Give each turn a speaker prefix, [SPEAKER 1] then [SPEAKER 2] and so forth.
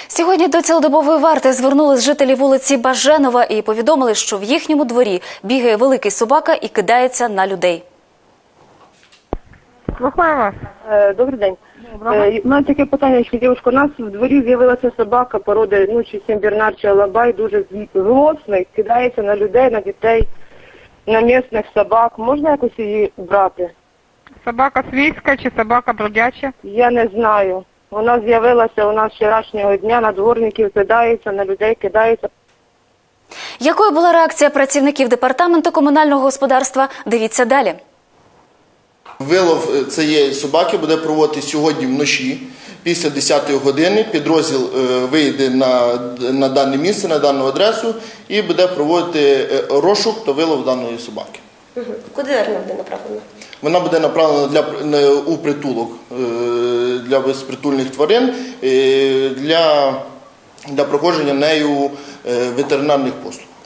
[SPEAKER 1] Сьогодні до цілодобової варти звернулись жителі вулиці Баженова і повідомили, що в їхньому дворі бігає великий собака і кидається на людей.
[SPEAKER 2] Слухаю вас.
[SPEAKER 3] Добрий день. У мене таке питання, що дівчинка, у нас в дворі з'явилася собака породи, чи Сен-Бернар, чи Алабай, дуже злосний, кидається на людей, на дітей, на місцевих собак. Можна якось її брати?
[SPEAKER 2] Собака свійська чи собака бродяча?
[SPEAKER 3] Я не знаю. Вона з'явилася у нас вчорашнього дня, на дворників кидається, на людей кидається.
[SPEAKER 1] Якою була реакція працівників департаменту комунального господарства? Дивіться далі.
[SPEAKER 4] Вилов цієї собаки буде проводитися сьогодні вночі, після 10-ї години. Підрозділ вийде на дане місце, на дану адресу і буде проводити розшук та вилов даної собаки.
[SPEAKER 5] Куди вона буде направлена?
[SPEAKER 4] Вона буде направлена у притулок для безпритульних тварин для проходження нею ветеринарних послуг.